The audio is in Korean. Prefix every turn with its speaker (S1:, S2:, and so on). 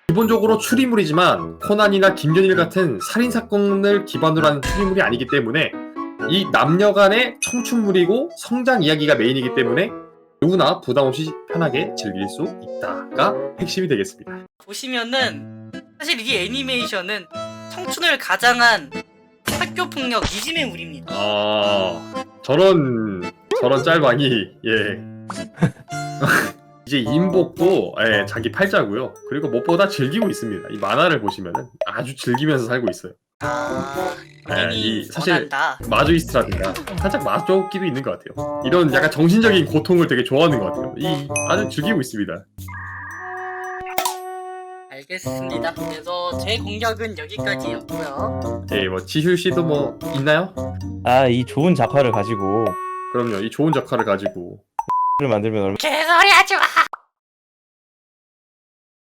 S1: 기본적으로 추리물이지만 코난이나 김연일 같은 살인사건을 기반으로 한 추리물이 아니기 때문에 이 남녀 간의 청춘물이고 성장 이야기가 메인이기 때문에 누구나 부담없이 편하게 즐길 수 있다가 핵심이 되겠습니다.
S2: 보시면은 사실 이 애니메이션은 청춘을 가장한 학교폭력 이지메 물입니다.
S1: 저런 짤방이 예. 이제 인복도 예, 자기 팔자고요. 그리고 무엇보다 즐기고 있습니다. 이 만화를 보시면은 아주 즐기면서 살고 있어요.
S2: 본인이
S1: 사실
S2: 원한다.
S1: 마조이스트라든가 살짝 마조끼도 있는 것 같아요. 이런 약간 정신적인 고통을 되게 좋아하는 것 같아요. 아주 즐기고 있습니다.
S2: 알겠습니다. 그래서 제 공략은 여기까지였고요.
S1: 예, 뭐 지휴 씨도 뭐 있나요?
S3: 이 좋은 작화를 가지고
S1: 그럼요. 이 좋은 작화를 가지고
S3: 를 만들면 얼마
S2: 개소리 하지 마.